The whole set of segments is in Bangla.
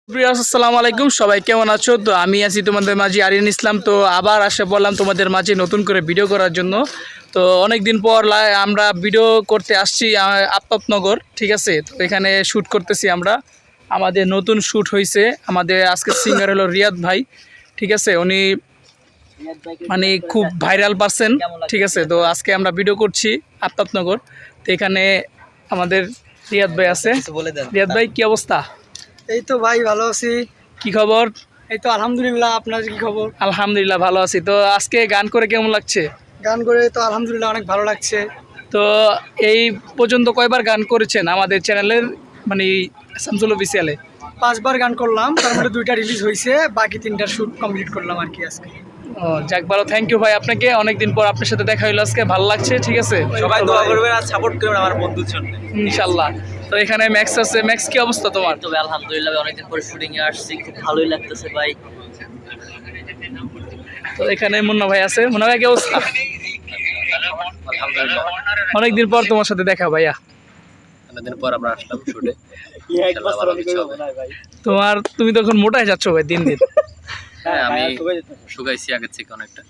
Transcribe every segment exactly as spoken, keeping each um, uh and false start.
আসসালামু আলাইকুম, সবাই কেমন আছো? তো আমি আছি তোমাদের মাঝে আরিয়ান ইসলাম। তো আবার আসে বললাম তোমাদের মাঝে নতুন করে ভিডিও করার জন্য। তো অনেক দিন পর আমরা ভিডিও করতে আসছি আফতাবনগর, ঠিক আছে। তো এখানে শ্যুট করতেছি আমরা, আমাদের নতুন শ্যুট হয়েছে। আমাদের আজকে সিঙ্গার হলো রিয়াদ ভাই, ঠিক আছে। উনি মানে খুব ভাইরাল পারসন, ঠিক আছে। তো আজকে আমরা ভিডিও করছি আফতাবনগর। তো এখানে আমাদের রিয়াদ ভাই আছে। রিয়াদ ভাই, কি অবস্থা? এই তো ভাই ভালো আছি। কি খবর? এই তো আলহামদুলিল্লাহ, আপনার কি খবর? আলহামদুলিল্লাহ ভালো আছি। তো আজকে গান করে কেমন লাগছে? গান করে তো আলহামদুলিল্লাহ অনেক ভালো লাগছে। তো এই পর্যন্ত কয়বার গান করেছেন আমাদের চ্যানেলের, মানে শামসুল অফিসিয়ালে? পাঁচবার গান করলাম, তার মধ্যে দুইটা রিলিজ হয়েছে, বাকি তিনটার শ্যুট কমপ্লিট করলাম আর কি আজকে। ও যাক, ভালো, থ্যাংক ইউ ভাই আপনাকে। অনেকদিন পর আপনার সাথে দেখা হলো আজকে, ভালো লাগছে, ঠিক আছে। সবাই দোয়া করবেন আর সাপোর্ট করবেন আমার বন্ধুর জন্য ইনশাআল্লাহ। তো এখানে ম্যাক্স আছে। ম্যাক্স, কি অবস্থা তোমার? তবে আলহামদুলিল্লাহ অনেকদিন পরে শুটিং এ আসছি, খুব ভালোই লাগতেছে ভাই। তো এখানে মুন্না ভাই আছে। মুন্না ভাই, কি অবস্থা? আলহামদুলিল্লাহ অনেকদিন পর তোমার সাথে দেখা ভাইয়া। অনেকদিন পর আমরা আসলাম শুটে। তোমার তুমি তো এখন মোটাই যাচ্ছ ভাই দিন দিন। হ্যাঁ, আমি শুকাইছি আগের থেকে অনেকটা।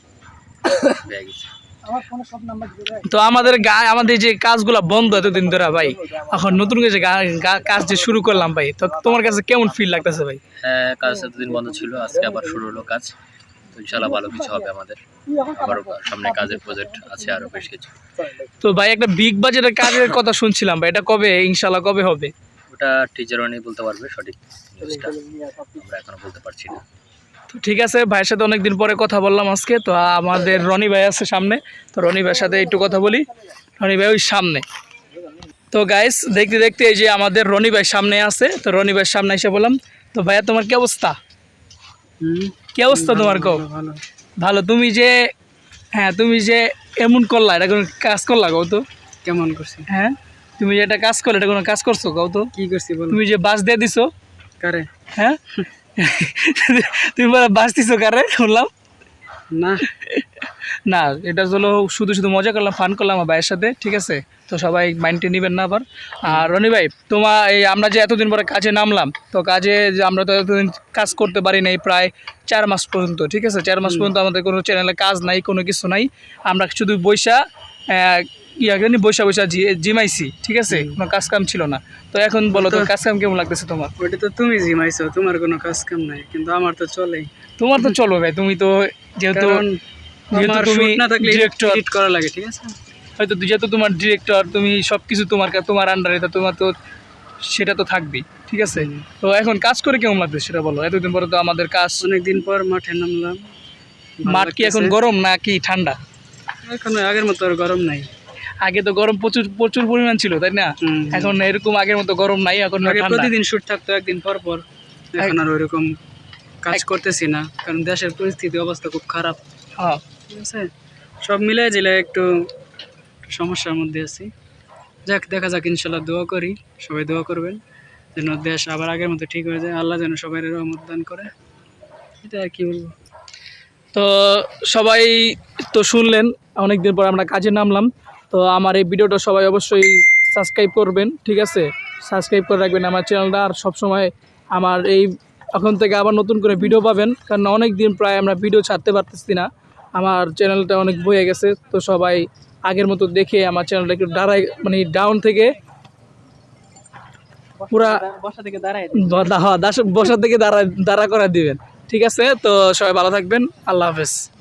তো আমাদের গায়ে আমাদের যে কাজগুলা বন্ধ এতদিন ধরে ভাই, এখন নতুন করে যে কাজ যে শুরু করলাম ভাই, তো তোমার কাছে কেমন ফিল লাগতেছে ভাই? হ্যাঁ, কাজ এতদিন বন্ধ ছিল, আজকে আবার শুরু হলো কাজ। তো ইনশাআল্লাহ ভালো কিছু হবে আমাদের। আবার সামনে কাজের প্রজেক্ট আছে আরো বেশ কিছু। তো ভাই একটা বিগ বাজেটের কাজের কথা শুনছিলাম ভাই, এটা কবে ইনশাআল্লাহ কবে হবে? ওটা টিচারও নেই বলতে পারবে সঠিক নিউজটা, আমরা এখনো বলতে পারছি না। তো ঠিক আছে, ভাইয়ের সাথে অনেকদিন পরে কথা বললাম আজকে। তো আমাদের রনি ভাই আছে সামনে, তো রনি ভাইয়ের সাথে একটু কথা বলি। রনি ভাই ওই সামনে। তো গাইস, দেখতে দেখতে এই যে আমাদের রনি ভাই সামনে আছে। তো রনি ভাইয়ের সামনে এসে বললাম, তো ভাইয়া তোমার কি অবস্থা? কি অবস্থা তোমার? কো ভালো। তুমি যে হ্যাঁ তুমি যে এমন করলা, এটা কোনো কাজ করলা কও তো? কেমন করছি? হ্যাঁ, তুমি যে এটা কাজ করলে, এটা কোনো কাজ করছো কও তো? কি করছি বল? তুমি যে বাস দিয়ে দিছো কারে? হ্যাঁ তুমি বাস দিছো কারে শুনলাম? না না, এটা হলো শুধু শুধু মজা করলাম, ফান করলাম আমার ভাইয়ের সাথে, ঠিক আছে। তো সবাই মাইন্ডে নেবেন না আবার। আর রনি ভাই, তোমার এই আমরা যে এতদিন পরে কাজে নামলাম, তো কাজে যে আমরা তো এতদিন কাজ করতে পারি নাই প্রায় চার মাস পর্যন্ত, ঠিক আছে। চার মাস পর্যন্ত আমাদের কোনো চ্যানেলে কাজ নাই, কোনো কিছু নাই। আমরা শুধু বৈশা ইয়া জানি বৈশা বৈশা জিমাইছি, ঠিক আছে, কোনো কাজ কাম ছিল না। তো এখন বলো তো, কাজ কাম কেমন লাগতেছে তোমার? ওটা তো তুমি জিমাইছো, তোমার কোনো কাজ কাম নাই, কিন্তু আমার তো চলেই। তোমার তো চলো ভাই, তুমি তো যেহেতু আমার শুট না থাকলে এডিট করা লাগে, ঠিক আছে। হয়তো যেহেতু তোমার ডিরেক্টর, তুমি সব কিছু তোমার তোমার আন্ডারে, তো তোমার তো সেটা তো থাকবেই, ঠিক আছে। তো এখন কাজ করে কেমন লাগবে সেটা বলো। এতদিন পরে তো আমাদের কাজ, অনেকদিন পর মাঠে নামলাম। মাঠ কি এখন গরম না কি ঠান্ডা? এখন আগের মতো আর গরম নাই। আগে তো গরম প্রচুর প্রচুর পরিমাণ ছিল, তাই না? এখন এরকম আগের মতো গরম নাই, এখন প্রতিদিন শুট থাকতো একদিন পর পর, এখন আর ওইরকম কাজ করতেছি না, কারণ দেশের পরিস্থিতি অবস্থা খুব খারাপ। হ্যাঁ, ঠিক আছে, সব মিলে জিলে একটু সমস্যার মধ্যে আছি। যাক, দেখা যাক, ইনশাল্লাহ দোয়া করি, সবাই দোয়া করবেন যেন দেশ আবার আগের মতো ঠিক হয়ে যায়, আল্লাহ যেন সবাই রহমত দান করে, এটা আর কি বলবো। তো সবাই তো শুনলেন, অনেকদিন পর আমরা কাজে নামলাম। তো আমার এই ভিডিওটা সবাই অবশ্যই সাবস্ক্রাইব করবেন, ঠিক আছে। সাবস্ক্রাইব করে রাখবেন আমার চ্যানেলটা। আর সবসময় আমার এই এখন থেকে আবার নতুন করে ভিডিও পাবেন, কারণ অনেক দিন প্রায় আমরা ভিডিও ছাড়তে পারতেছি না, আমার চ্যানেলটা অনেক বয়ে গেছে। তো সবাই আগের মতো দেখে আমার চ্যানেলটা একটু দাঁড়ায়, মানে ডাউন থেকে পুরা বসা থেকে দাঁড়ায় বসা থেকে দাঁড়া দাঁড়া করে দিবেন, ঠিক আছে। তো সবাই ভালো থাকবেন, আল্লাহ হাফেজ।